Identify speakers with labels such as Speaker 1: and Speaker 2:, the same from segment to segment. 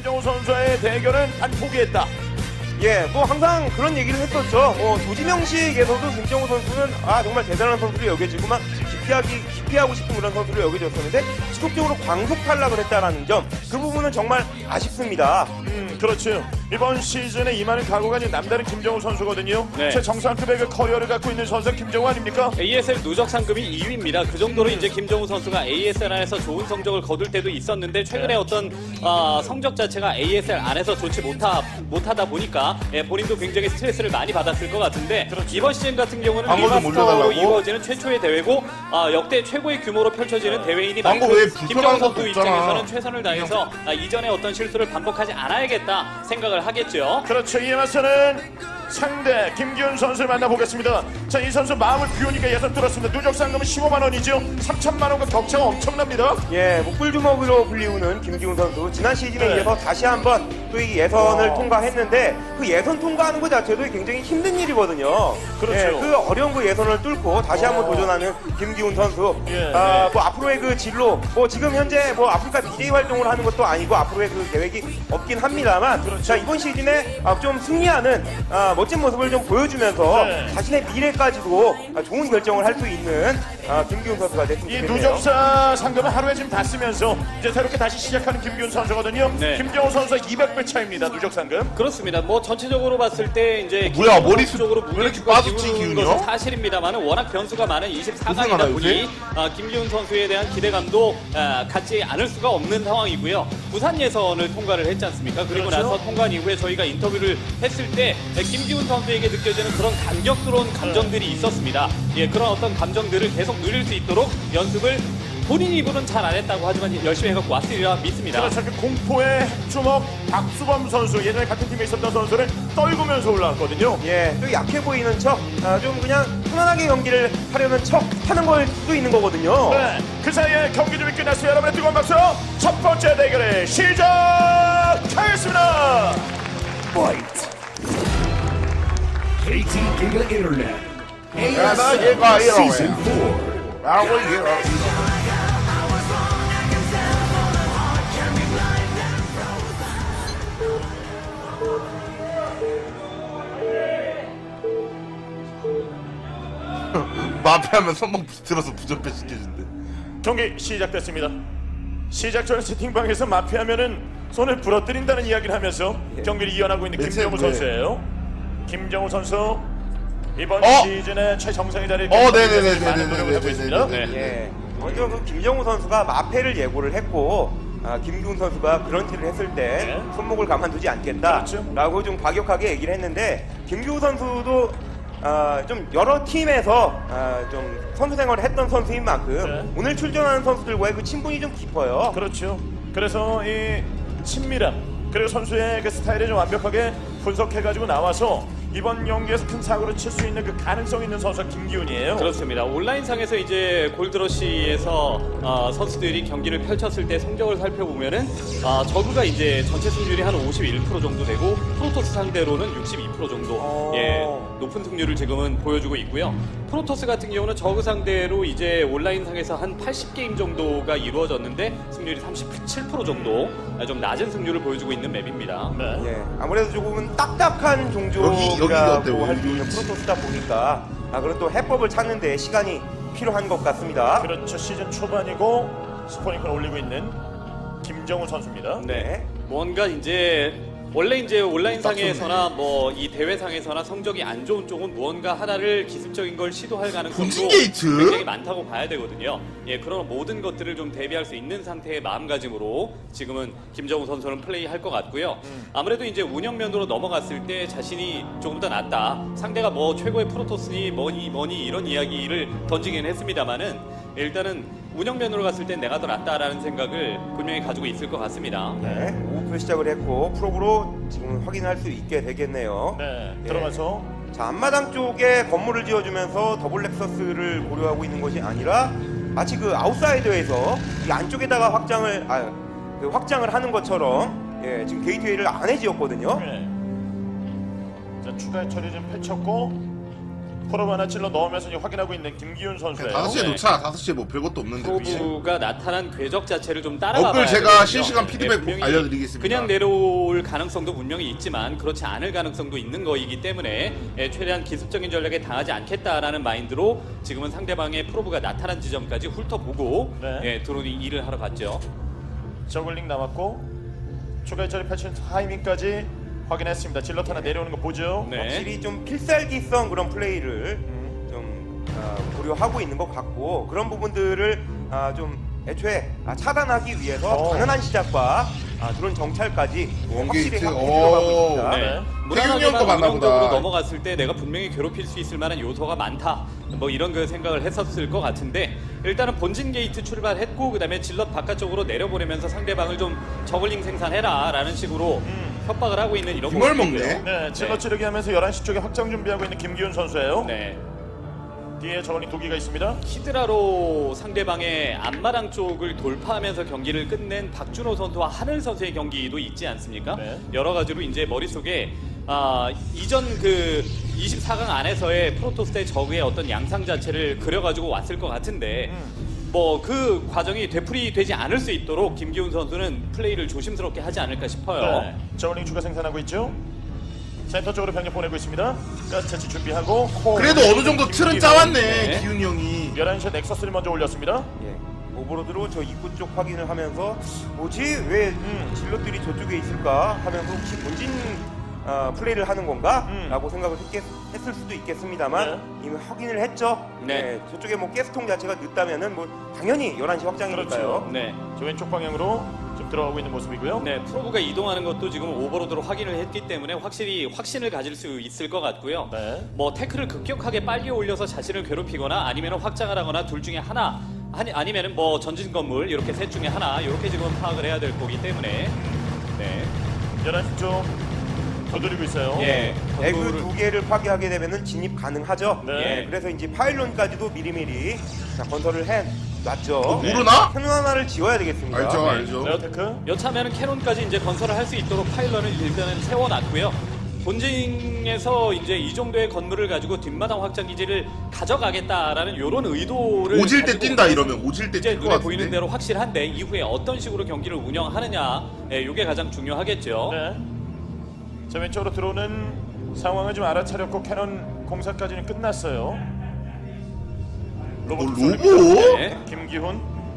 Speaker 1: 김정우 선수의 대결은 안 포기했다.
Speaker 2: 예, 뭐 항상 그런 얘기를 했었죠. 조지명식에서도 김정우 선수는 정말 대단한 선수로 여겨지고만 기피하고 싶은 그런 선수로 여겨졌었는데 지속적으로 광속 탈락을 했다라는 점, 그 부분은 정말 아쉽습니다.
Speaker 1: 그렇죠. 이번 시즌에 임하는 각오가 이제 남다른 김정우 선수거든요.
Speaker 3: 네.
Speaker 1: 최정상급의 그 커리어를 갖고 있는 선수가 김정우 아닙니까?
Speaker 3: ASL 누적 상금이 2위입니다. 그 정도로 이제 김정우 선수가 ASL 안에서 좋은 성적을 거둘 때도 있었는데 최근에 어떤 성적 자체가 ASL 안에서 좋지 못하다 보니까 본인도 굉장히 스트레스를 많이 받았을 것 같은데
Speaker 1: 그렇죠.
Speaker 3: 이번 시즌 같은 경우는
Speaker 4: 광고 좀
Speaker 3: 리마스터로
Speaker 4: 올려달라고?
Speaker 3: 이루어지는 최초의 대회고 역대 최고의 규모로 펼쳐지는 대회이니
Speaker 4: 광고 왜 불편한
Speaker 3: 김정우
Speaker 4: 것도
Speaker 3: 선수
Speaker 4: 없잖아.
Speaker 3: 입장에서는 최선을 다해서 이전의 어떤 실수를 반복하지 않아야겠다 생각을 하겠죠.
Speaker 1: 그렇죠. 이에 맞서는 상대 김기훈 선수를 만나보겠습니다. 자, 이 선수 마음을 비우니까 예선 뚫었습니다. 누적 상금은 15만 원이죠. 3천만 원과 격차가 엄청납니다.
Speaker 2: 예, 목불주먹으로 불리우는 김기훈 선수, 지난 시즌에
Speaker 1: 네.
Speaker 2: 이어서 다시 한번 또 이 예선을 통과했는데 그 예선 통과하는 것 자체도 굉장히 힘든 일이거든요.
Speaker 1: 그렇죠.
Speaker 2: 예, 그 어려운 그 예선을 뚫고 다시 한번 도전하는 김기훈 선수.
Speaker 1: 예,
Speaker 2: 뭐 앞으로의 그 진로, 뭐 지금 현재 뭐 아프리카 BJ 활동을 하는 것도 아니고 앞으로의 그 계획이 없긴 합니다만,
Speaker 1: 그렇죠.
Speaker 2: 자, 이번 시즌에 좀 승리하는 멋진 모습을 좀 보여주면서
Speaker 1: 네.
Speaker 2: 자신의 미래까지도 좋은 결정을 할 수 있는 김기훈 선수가 됐으면
Speaker 1: 이
Speaker 2: 좋겠네요.
Speaker 1: 누적사 상금은 하루에 지금 다 쓰면서 이제 새롭게 다시 시작하는 김기훈 선수거든요.
Speaker 3: 네.
Speaker 1: 김정우 선수가 200배 차입니다. 누적 상금.
Speaker 3: 그렇습니다. 뭐 전체적으로 봤을 때 이제
Speaker 4: 뭐야,
Speaker 3: 김정우
Speaker 4: 머리
Speaker 3: 쪽으로
Speaker 4: 왜 이렇게
Speaker 3: 무게추가
Speaker 4: 빠졌지,
Speaker 3: 기울는
Speaker 4: 기훈이요?
Speaker 3: 것은 사실입니다만 워낙 변수가 많은
Speaker 4: 고생하나,
Speaker 3: 24강이다 보니
Speaker 4: 요새?
Speaker 3: 김기훈 선수에 대한 기대감도 갖지 않을 수가 없는 상황이고요. 부산 예선을 통과를 했지 않습니까? 그리고
Speaker 1: 그렇죠.
Speaker 3: 나서 통과 이후에 저희가 인터뷰를 했을 때 김기훈 선수에게 느껴지는 그런 감격스러운 감정들이 있었습니다. 예, 그런 어떤 감정들을 계속 누릴 수 있도록 연습을 본인 입으로는 잘 안 했다고 하지만 열심히 해갖고 왔으리라 믿습니다.
Speaker 1: 그렇죠. 그 공포의 주먹 박수범 선수, 예전에 같은 팀에 있었던 선수를 떨구면서 올라왔거든요.
Speaker 2: 예, 또 약해 보이는 척, 좀 그냥 편안하게 경기를 하려는 척 하는 걸 수도 있는 거거든요.
Speaker 1: 네, 그 사이에 경기 준비 끝났어요. 여러분의 뜨거운 박수, 첫 번째 대결을 시작하겠습니다.
Speaker 5: Fight. KT Giga Internet.
Speaker 4: 야, 나 얘가
Speaker 5: Season
Speaker 4: 이러네.
Speaker 5: 4.
Speaker 4: 야, 뭐 이게 마피하면 선방 들어서 부전패 시켜준대.
Speaker 1: 경기 시작됐습니다. 시작 전 채팅방에서 마피하면은 손을 부러뜨린다는 이야기를 하면서 경기를 이어나고 있는
Speaker 4: 매체
Speaker 1: 김정우
Speaker 4: 왜?
Speaker 1: 선수예요. 김정우 선수 이번
Speaker 4: 어?
Speaker 1: 시즌에 최정상의 자리에
Speaker 4: 네네네네네네네네.
Speaker 1: 많은 노력을 하고 있습니다.
Speaker 3: 네.
Speaker 2: 예, 먼저 그 김정우 선수가 마패를 예고를 했고, 김기훈 선수가 그런 티를 했을 때
Speaker 1: 네.
Speaker 2: 손목을 가만두지 않겠다라고
Speaker 1: 그렇죠.
Speaker 2: 좀 과격하게 얘기를 했는데, 김기훈 선수도 좀 여러 팀에서 좀 선수 생활을 했던 선수인 만큼
Speaker 1: 네.
Speaker 2: 오늘 출전하는 선수들과의 그 친분이 좀 깊어요.
Speaker 1: 그렇죠. 그래서 이 친밀함 그리고 선수의 그 스타일을 좀 완벽하게 분석해가지고 나와서 이번 경기에서 큰 사고를 칠 수 있는 그 가능성 있는 선수가 김기훈이에요.
Speaker 3: 그렇습니다. 온라인상에서 이제 골드러시에서 선수들이 경기를 펼쳤을 때 성적을 살펴보면은 저그가 이제 전체 승률이 한 51% 정도 되고 프로토스 상대로는 62% 정도 높은 승률을 지금은 보여주고 있고요. 프로토스 같은 경우는 저그 상대로 이제 온라인상에서 한 80게임 정도가 이루어졌는데 승률이 37% 정도 좀 낮은 승률을 보여주고 있는 맵입니다.
Speaker 1: 네.
Speaker 2: 예, 아무래도 조금은 딱딱한
Speaker 4: 여기 어때,
Speaker 2: 종족이라고 할 수 있는
Speaker 4: 여기?
Speaker 2: 프로토스다 보니까 그런 또 해법을 찾는 데 시간이 필요한 것 같습니다.
Speaker 1: 그렇죠. 시즌 초반이고 스포닝크를 올리고 있는 김정우 선수입니다.
Speaker 3: 네. 뭔가 이제 원래 이제 온라인상에서나 뭐 이 대회상에서나 성적이 안 좋은 쪽은 무언가 하나를 기습적인 걸 시도할 가능성도
Speaker 4: 본진 게이트?
Speaker 3: 굉장히 많다고 봐야 되거든요. 예, 그런 모든 것들을 좀 대비할 수 있는 상태의 마음가짐으로 지금은 김정우 선수는 플레이할 것 같고요. 아무래도 이제 운영면으로 넘어갔을 때 자신이 조금 더 낫다. 상대가 뭐 최고의 프로토스니 뭐니 이런 이야기를 던지긴 했습니다만은 일단은 운영면으로 갔을 땐 내가 더 낫다라는 생각을 분명히 가지고 있을 것 같습니다.
Speaker 2: 네, 오프로 시작을 했고 프로브로 지금 확인할 수 있게 되겠네요.
Speaker 1: 네.
Speaker 2: 예.
Speaker 1: 들어가서
Speaker 2: 자, 앞마당 쪽에 건물을 지어주면서 더블 렉서스를 고려하고 있는 것이 아니라 마치 그 아웃사이더에서 이 안쪽에다가 확장을 하는 것처럼 지금 게이트웨이를 안에 지었거든요.
Speaker 1: 네. 자, 추가 처리 좀 펼쳤고 프로브 하나 찔러 넣으면서 이제 확인하고 있는 김기훈 선수예요.
Speaker 4: 5시에
Speaker 3: 네.
Speaker 4: 놓자. 5시에 뭐 별것도 없는데.
Speaker 3: 프로브가 나타난 궤적 자체를 좀 따라가봐야
Speaker 4: 댓글 제가
Speaker 3: 되거든요.
Speaker 4: 실시간 피드백
Speaker 3: 분명히
Speaker 4: 알려드리겠습니다.
Speaker 3: 그냥 내려올 가능성도 분명히 있지만 그렇지 않을 가능성도 있는 거이기 때문에 최대한 기습적인 전략에 당하지 않겠다라는 마인드로 지금은 상대방의 프로브가 나타난 지점까지 훑어보고
Speaker 1: 네.
Speaker 3: 드론이 일을 하러 갔죠.
Speaker 1: 저글링 남았고 추가 해처리 펼친 타이밍까지 확인했습니다. 질럿 하나 내려오는 거 보죠.
Speaker 3: 네.
Speaker 2: 확실히 좀 필살기성 그런 플레이를 좀 고려하고 있는 것 같고 그런 부분들을 좀 애초에 차단하기 위해서 당연한 시작과 드론 정찰까지 확실히
Speaker 4: 원게이트.
Speaker 2: 들어가고 있습니다.
Speaker 4: 오.
Speaker 3: 네.
Speaker 4: 태균이 형도 맞나 보다.
Speaker 3: 운영적으로 넘어갔을 때 내가 분명히 괴롭힐 수 있을 만한 요소가 많다. 뭐 이런 그 생각을 했었을 것 같은데 일단은 본진 게이트 출발했고 그다음에 질럿 바깥쪽으로 내려보내면서 상대방을 좀 저글링 생산해라라는 식으로 협박을 하고 있는 이런
Speaker 4: 김을
Speaker 3: 모습이고요.
Speaker 4: 먹네.
Speaker 1: 네, 질럿 찌르기 하면서 11시 쪽에 확장 준비하고 있는 김기훈 선수예요.
Speaker 3: 네.
Speaker 1: 뒤에 저글링 2기가 있습니다.
Speaker 3: 히드라로 상대방의 앞마당 쪽을 돌파하면서 경기를 끝낸 박준호 선수와 하늘 선수의 경기도 있지 않습니까?
Speaker 1: 네.
Speaker 3: 여러 가지로 이제 머릿속에 이전 그 24강 안에서의 프로토스의 적의 어떤 양상 자체를 그려가지고 왔을 것 같은데 뭐 그 과정이 되풀이되지 않을 수 있도록 김기훈 선수는 플레이를 조심스럽게 하지 않을까 싶어요.
Speaker 1: 네, 저글링 추가 생산하고 있죠. 센터 쪽으로 병력 보내고 있습니다. 가스 채취 준비하고
Speaker 4: 그래도 어느 정도 틀은 짜왔네.
Speaker 3: 네.
Speaker 4: 기훈이 형이.
Speaker 1: 11시에 넥서스를 먼저 올렸습니다.
Speaker 2: 예. 오버로드로 저 입구 쪽 확인을 하면서 뭐지 왜 질럿들이 저쪽에 있을까 하면서 혹시 본진 플레이를 하는 건가? 라고 생각을 했을 수도 있겠습니다만 이미 확인을 했죠.
Speaker 3: 네.
Speaker 2: 저쪽에 뭐 가스통 자체가 늦다면은 뭐 당연히 11시 확장이니까요.
Speaker 1: 그렇죠.
Speaker 3: 네.
Speaker 1: 저 왼쪽 방향으로 지금 들어가고 있는 모습이고요.
Speaker 3: 네, 프로브가 이동하는 것도 지금 오버로드로 확인을 했기 때문에 확실히 확신을 가질 수 있을 것 같고요.
Speaker 1: 네.
Speaker 3: 뭐 태클을 급격하게 빨리 올려서 자신을 괴롭히거나 아니면 확장을 하거나 둘 중에 하나 아니면은 뭐 전진 건물 이렇게 셋 중에 하나 이렇게 지금 파악을 해야 될 거기 때문에 네.
Speaker 1: 11시 쪽 거두리고 있어요.
Speaker 3: 예.
Speaker 2: 에그
Speaker 3: 건물을-
Speaker 2: 두 개를 파괴하게 되면은 진입 가능하죠.
Speaker 1: 네.
Speaker 2: 예, 그래서 이제 파일론까지도 미리미리 건설을 해놨죠.
Speaker 4: 모르나?
Speaker 2: 캐논 하나를 지어야 되겠습니다.
Speaker 4: 알죠, 알죠.
Speaker 1: 레어테크.
Speaker 3: 여차하면 캐논까지 이제 건설을 할 수 있도록 파일런을 일단은 세워놨고요. 본진에서 이제 이 정도의 건물을 가지고 뒷마당 확장 기지를 가져가겠다라는 이런 의도를
Speaker 4: 오질 때
Speaker 3: 가지고
Speaker 4: 뛴다 이러면 오질 때
Speaker 3: 이제
Speaker 4: 뛸 것
Speaker 3: 눈에 보이는
Speaker 4: 같은데.
Speaker 3: 대로 확실한데 이후에 어떤 식으로 경기를 운영하느냐, 이게 가장 중요하겠죠.
Speaker 1: 네. 자, 왼쪽으로 들어오는 상황을 좀 알아차렸고 캐논 공사까지는 끝났어요. 로봇
Speaker 4: 로보?
Speaker 3: 네.
Speaker 1: 김기훈.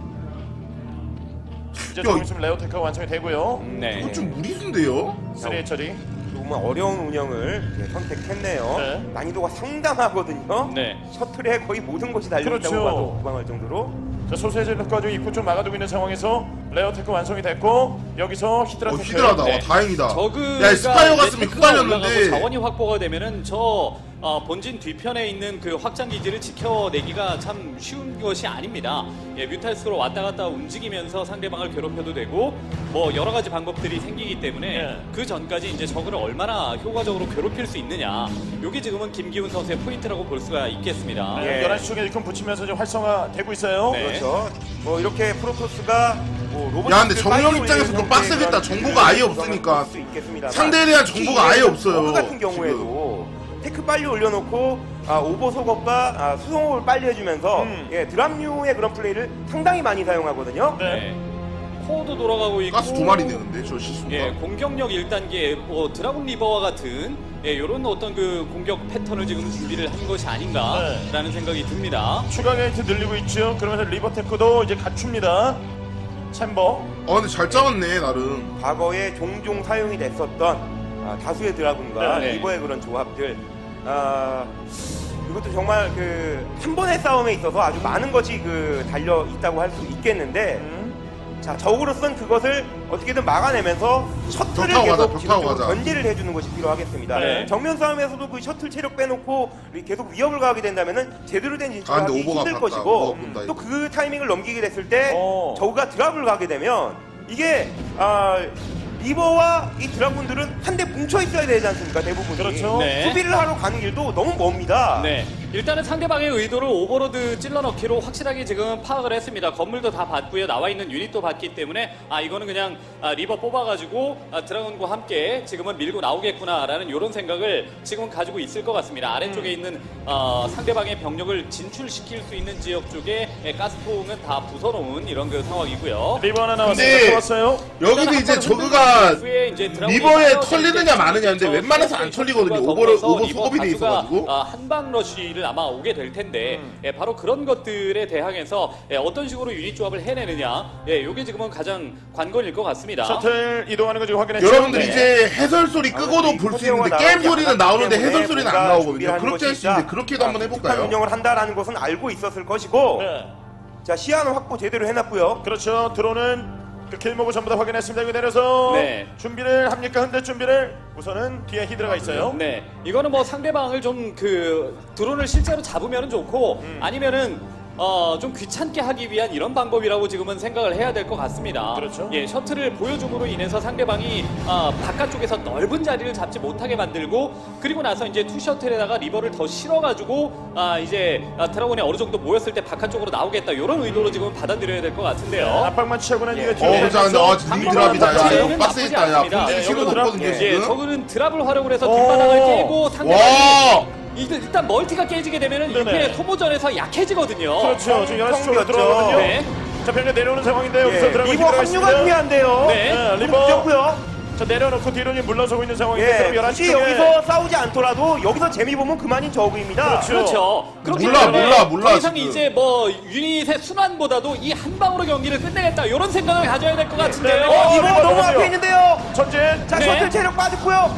Speaker 1: 이제
Speaker 4: 야,
Speaker 1: 조금 있으면 레어테크가 완성이 되고요.
Speaker 3: 네.
Speaker 4: 이건 좀 무리수인데요.
Speaker 1: 3의 처리.
Speaker 2: 정말 어려운 운영을 선택했네요.
Speaker 1: 네.
Speaker 2: 난이도가 상당하거든요.
Speaker 3: 네.
Speaker 2: 셔틀에 거의 모든 것이 달려있다고
Speaker 1: 그렇죠.
Speaker 2: 봐도 무방할 정도로.
Speaker 1: 자, 소수의 전력과 좀 입구 좀 막아두고 있는 상황에서 레어테크 완성이 됐고 여기서 히드라 테크.
Speaker 4: 히드라다.
Speaker 3: 네.
Speaker 4: 와, 다행이다.
Speaker 3: 저그가
Speaker 4: 야, 스파이어
Speaker 3: 이제
Speaker 4: 갔으면
Speaker 3: 테크가 올라가고
Speaker 4: 흩갈렸는데.
Speaker 3: 자원이 확보가 되면은 저 본진 뒤편에 있는 그 확장 기지를 지켜내기가 참 쉬운 것이 아닙니다. 예, 뮤탈스로 왔다 갔다 움직이면서 상대방을 괴롭혀도 되고 뭐 여러 가지 방법들이 생기기 때문에
Speaker 1: 예.
Speaker 3: 그 전까지 이제 적을 얼마나 효과적으로 괴롭힐 수 있느냐. 요게 지금은 김기훈 선수의 포인트라고 볼 수가 있겠습니다.
Speaker 1: 네,
Speaker 2: 예.
Speaker 1: 11시 쪽에 일꾼 붙이면서 좀 활성화되고 있어요.
Speaker 3: 네.
Speaker 2: 그렇죠. 뭐 이렇게 프로토스가 뭐 로봇.
Speaker 4: 야, 근데 정령 입장에서 좀 빡세겠다. 정보가 아예 없으니까. 상대에 대한 정보가 아예 없어요.
Speaker 2: 버그 같은 경우에도 테크 빨리 올려놓고 오버 속업과 수송업을 빨리 해주면서 예, 드랍류의 그런 플레이를 상당히 많이 사용하거든요.
Speaker 1: 네.
Speaker 3: 네. 코어도 돌아가고 있고
Speaker 4: 가스 2마리네 근데 저 실수가.
Speaker 3: 예, 공격력 1단계, 뭐 드라군 리버와 같은 이런 어떤 그 공격 패턴을 지금 준비를 한 것이 아닌가라는 생각이 듭니다.
Speaker 1: 추가 게이트 늘리고 있죠. 그러면서 리버테크도 이제 갖춥니다. 챔버.
Speaker 4: 근데 잘 짜왔네 나름.
Speaker 2: 과거에 종종 사용이 됐었던 다수의 드라군과
Speaker 3: 네.
Speaker 2: 리버의 그런 조합들. 이것도 정말 그 한 번의 싸움에 있어서 아주 많은 것이 달려 있다고 할 수 있겠는데. 자, 적으로선 그것을 어떻게든 막아내면서 셔틀을
Speaker 4: 벽 타고 가자,
Speaker 2: 계속
Speaker 4: 벽 타고
Speaker 2: 지속적으로
Speaker 4: 가자.
Speaker 2: 견제를 해주는 것이 필요하겠습니다.
Speaker 3: 네.
Speaker 2: 정면 싸움에서도 그 셔틀 체력 빼놓고 계속 위협을 가하게 된다면은 제대로 된 진출을
Speaker 4: 근데
Speaker 2: 하기
Speaker 4: 오버가
Speaker 2: 힘들
Speaker 4: 봤다.
Speaker 2: 것이고
Speaker 4: 오버가 본다,
Speaker 2: 또 그 타이밍을 넘기게 됐을 때
Speaker 1: 어.
Speaker 2: 저우가 드랍을 가게 되면 이게 리버와 이 드라군들은 한데 뭉쳐 있어야 되지 않습니까? 대부분이
Speaker 1: 그렇죠.
Speaker 3: 네.
Speaker 2: 수비를 하러 가는 길도 너무 멉니다.
Speaker 3: 네. 일단은 상대방의 의도를 오버로드 찔러넣기로 확실하게 지금 파악을 했습니다. 건물도 다 봤고요. 나와 있는 유닛도 봤기 때문에 이거는 그냥 리버 뽑아가지고 드라군과 함께 지금은 밀고 나오겠구나라는 이런 생각을 지금 가지고 있을 것 같습니다. 아래쪽에 있는 상대방의 병력을 진출시킬 수 있는 지역 쪽에 가스통은 다 부숴놓은 이런 그 상황이고요.
Speaker 1: 리버 하나 나왔습니다.
Speaker 4: 근데
Speaker 1: 좋았어요.
Speaker 4: 여기서 이제 저그가 리버에 털리느냐 마느냐인데 웬만해서 안 털리거든요. 오버 소급이 돼 있어가지고.
Speaker 3: 한방 러쉬를 아마 오게 될 텐데 바로 그런 것들에 대항해서 어떤 식으로 유닛 조합을 해내느냐, 이게 지금은 가장 관건일 것 같습니다.
Speaker 1: 셔틀 이동하는 거 지금 확인했죠.
Speaker 4: 여러분들
Speaker 1: 네.
Speaker 4: 이제 해설 소리 끄고도 볼 수 있는데 게임 소리는 나오는데 해설 소리는 안 나오거든요. 그렇게 할 수 있는데 그렇게도 한번 해볼까요?
Speaker 2: 운영을 한다라는 것은 알고 있었을 것이고,
Speaker 1: 네.
Speaker 2: 자 시야는 확보 제대로 해놨고요.
Speaker 1: 그렇죠. 드론은 그 길목을 전부 다 확인했습니다. 여기 내려서
Speaker 3: 네.
Speaker 1: 준비를 합니까? 현대 준비를 우선은 뒤에 히드라가 있어요.
Speaker 3: 네, 이거는 뭐 상대방을 좀 그 드론을 실제로 잡으면 좋고 아니면은 좀 귀찮게 하기 위한 이런 방법이라고 지금은 생각을 해야 될 것 같습니다.
Speaker 1: 그렇죠.
Speaker 3: 예, 셔틀을 보여줌으로 인해서 상대방이 바깥쪽에서 넓은 자리를 잡지 못하게 만들고 그리고 나서 이제 투 셔틀에다가 리버를 더 실어가지고 이제 드라곤이 어느 정도 모였을 때 바깥쪽으로 나오겠다 이런 의도로 지금 받아들여야 될 것 같은데요.
Speaker 1: 압박만 취하고 난 이후에 뒤에
Speaker 4: 자 근데 드랍이다. 야
Speaker 3: 방법은
Speaker 4: 이거 빡세겠다. 야
Speaker 3: 나쁘지
Speaker 4: 본진
Speaker 3: 않습니다.
Speaker 4: 실은
Speaker 1: 드랍?
Speaker 4: 없거든요
Speaker 3: 예,
Speaker 4: 지금.
Speaker 3: 저거는 드랍을 활용을 해서 뒷바닥을 깨고 상대방이
Speaker 4: 와.
Speaker 3: 일단 멀티가 깨지게 되면은
Speaker 1: 네네.
Speaker 3: 이렇게 소모전에서 약해지거든요.
Speaker 1: 그렇죠. 지금 11시 쪽으로
Speaker 2: 텅
Speaker 1: 들어가거든요.
Speaker 3: 네.
Speaker 1: 자, 병력 내려오는 상황인데요.
Speaker 2: 예,
Speaker 1: 여기서 들어가고
Speaker 2: 리버 합류가 중요한데요.
Speaker 1: 네, 리버.
Speaker 2: 좋고요.
Speaker 1: 자, 내려놓고 뒤로 물러서고 있는 상황인데
Speaker 2: 예,
Speaker 1: 그럼 11시
Speaker 2: 굳이
Speaker 1: 쪽에
Speaker 2: 여기서 싸우지 않더라도 여기서 재미 보면 그만인 저그입니다.
Speaker 3: 그렇죠. 그렇기
Speaker 4: 몰라,
Speaker 3: 때문에
Speaker 4: 몰라,
Speaker 3: 더 이상
Speaker 4: 지금.
Speaker 3: 이제 뭐 유닛의 순환보다도 이 한 방으로 경기를 끝내겠다 이런 생각을 가져야 될 것 같은데요.
Speaker 1: 네,
Speaker 2: 리버
Speaker 1: 리버
Speaker 2: 너무
Speaker 1: 들어가죠.
Speaker 2: 앞에 있는데요.
Speaker 1: 전진.
Speaker 2: 자
Speaker 3: 네.
Speaker 2: 셔틀 체력 빠졌고요.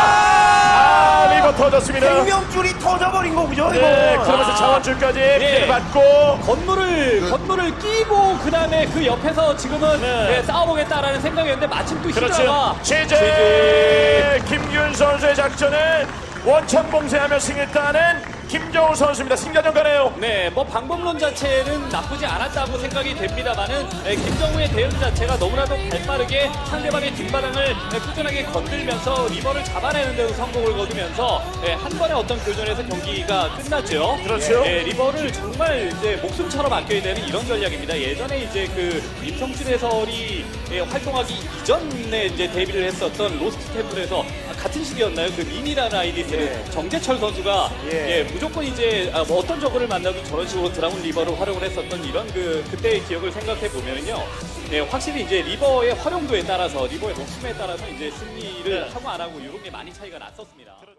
Speaker 1: 리버 터졌습니다.
Speaker 2: 생명줄이 터져버린 거죠.
Speaker 1: 네,
Speaker 2: 이거.
Speaker 1: 그러면서 자원줄까지 피해를 받고
Speaker 3: 건물을 끼고 그 다음에 그 옆에서 지금은
Speaker 1: 네.
Speaker 3: 싸워보겠다라는 생각이었는데 마침 또
Speaker 1: 그렇죠.
Speaker 3: 히드라가
Speaker 1: 제재 김균 선수의 작전은 원천 봉쇄하며 승했다는 김정우 선수입니다. 승자전 가네요.
Speaker 3: 네, 뭐 방법론 자체는 나쁘지 않았다고 생각이 됩니다만은 김정우의 대응 자체가 너무나도 발빠르게 상대방의 뒷바닥을 꾸준하게 건들면서 리버를 잡아내는 데도 성공을 거두면서 한 번의 어떤 교전에서 경기가 끝났죠.
Speaker 1: 그렇죠.
Speaker 3: 리버를 정말 이제 목숨처럼 아껴야 되는 이런 전략입니다. 예전에 이제 그 임성춘 해설이 활동하기 이전에 이제 데뷔를 했었던 로스트 템플에서 같은 시기였나요? 그 린이라는 아이디 쓰는 정재철 선수가 무조건 이제 뭐 어떤 적을 만나도 저런 식으로 드라군 리버를 활용을 했었던 이런 그때의 기억을 생각해 보면은요, 확실히 이제 리버의 활용도에 따라서 리버의 목숨에 따라서 이제 승리를 하고 안 하고 이런 게 많이 차이가 났었습니다.